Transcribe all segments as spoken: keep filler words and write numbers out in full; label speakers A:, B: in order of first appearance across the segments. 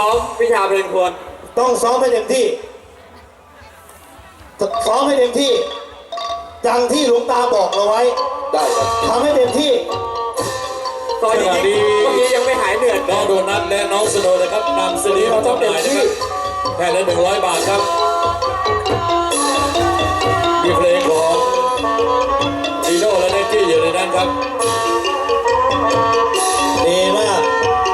A: ซ้อมวิชาเพลงควร
B: ต้องซ้อมให้เต็มที่ซ้อมให้เต็มที่ดังที่หลวงตาบอกเราไว้ได้ทำให้เต็มที่
A: ตอนนี้เมื่อกี้ยังไม่หายเหนื่อย
C: น้องโดนัทและน้องสโนว์นะครับนำซีดีมาจำหน่ายนะครับแค่ละหนึ่งร้อยบาทครับมีเพลงของดีโน่และเนตตี้อยู่ในนั้นครับ
B: ดีมาก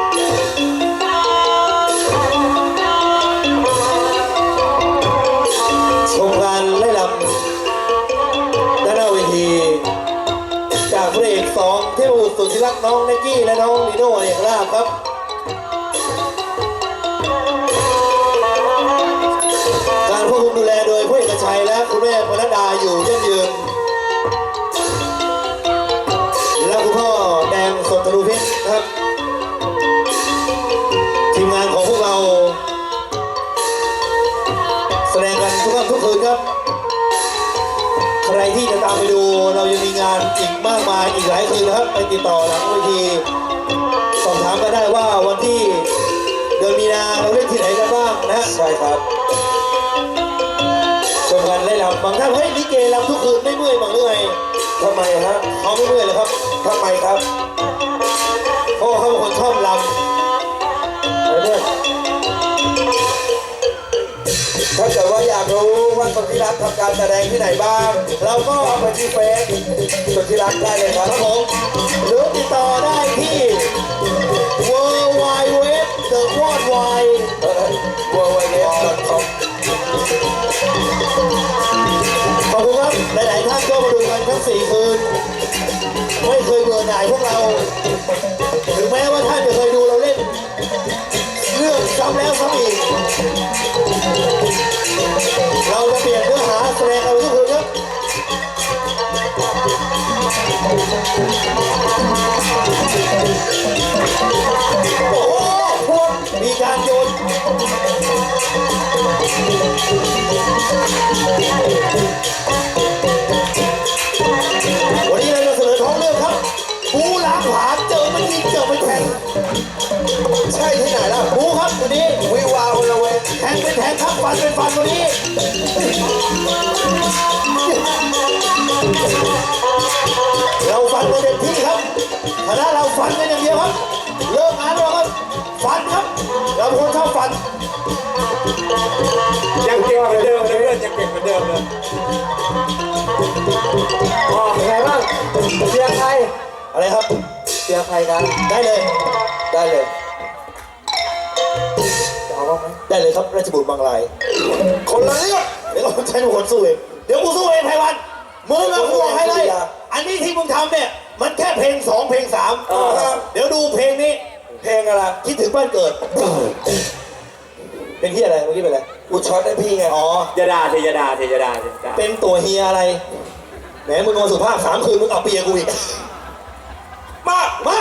B: ชมการไล่ลำด้านหน้าเวทีจากพระเอกสองเทพบุตรสุดที่รักน้องเนกกี้และน้องลีโน่เอกลาภครับการควบคุมดูแลโดยผู้เอกชัยและคุณแม่ปนัดดาอยู่ยั่งยืนและคุณพ่อแดงสดทะลุเพชรครับทีมงานของพวกเราแสดงกันทุกค่ำทุกคืนครับใครที่จะตามไปดูเรายังมีงานอีกมากมายอีกหลายคืนนะครับไปติดต่อหลังเวทีสอบถามกันได้ว่าวันที่เดือนมีนาเราเล่นที่ไหนกันบ้างนะใช่ครับชมกันไล่ลำบางท่านเฮ้ยลิเกลำทุกคืนไม่เมื่อยบางเมื่อยทำไมฮะเขาไม่เมื่อยเลยครับทำไมครับเพราะเขาเป็นคนชอบลำถ้าเกิดว่าอยากรู้ว่าสุทธิรักทำการแสดงที่ไหนบ้างเราก็ไปที่เฟซสุทธิรักได้เลยครับผมหรือติดต่อได้ที่ เวิลด์ ไวด์ เว็บ เดอะ วอร์ลด์ ไวด์ เวิลด์ ไวด์ เว็บ ดอท คอม ขอบคุณครับหลายๆท่านก็มาดูกันทั้งสี่คืนไม่เคยเบื่อหน่ายพวกเราถึงแม้ว่าท่านจะเคยดูเราเล่นเรื่องซ้ำแล้วซ้ำอีกเราจะเปลี่ยนเนื้อหาแสดงเอาทุกคืนครับโอ้โหพวกมีการโยนวันนี้เราจะเสนอท้องเรื่องครับบูล้างผลาญเจอมันยิงเจอมันแทงใช่ที่ไหนล่ะบูครับวันนี้วิวาวันละเวแทงเป็นแทงครับฟันเป็นฟันวันนี้เราฟันกันเต็มที่ครับคณะเราฟันกันอย่างเดียวครับเลิกงานแล้วครับฟันครับเราเป็นคนชอบฟัน
A: ยังเก่งเหมือนเดิมเลยเพื่อนยังเก่งเหมือนเดิมเลยอ๋อเป็นไงบ้างเชียร์ใคร
B: อะไรครับ
A: เชียร์ใครกัน
B: ได้เลยได้เลย
A: จะเอาบ้างไหม
B: ได้เลยครับราชบุตรบางรายคนละเรื่องเดี๋ยวเราใช้เป็นคนสู้เองเดี๋ยวกูสู้เองไพวันมึงอะกูบอกให้เลยอันนี้ที่มึงทำเนี่ยมันแค่เพลงสองเพลงสามเดี๋ยวดูเพลงนี้เพลงอะไรคิดถึงบ้านเกิดเป็นที่อะไรเมื่อกี้เป็นอะไรกูช็อตได้พี่ไงอ๋อย
A: าดาเทยาดาเทยาดา
B: เป็นตัวเฮียอะไรแหมมึงนอนสุภาพสามคืนมึงเอาเปียกูอีกมามา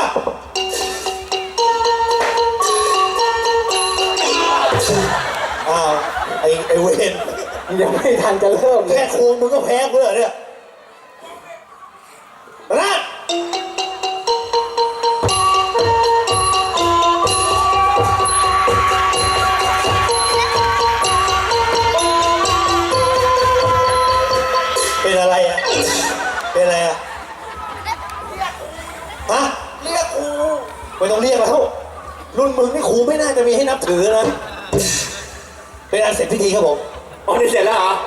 B: อ้าวไอ้ไอ้เวน
A: ยังไม่ทันจะเริ่มเลย
B: แค่คูมึงก็แพ้กูเลยเนี่ยรัดเป็นอะไรอ่ะเป็นอะไรอ่ะฮะเรียกครูไม่ต้องเรียกแล้วรุ่นมึงนี่ครูไม่น่าจะมีให้นับถือนะเป็นอันเสร็จพิธีครับผม
A: อ๋อนี่เสร็จแล้วเหรอ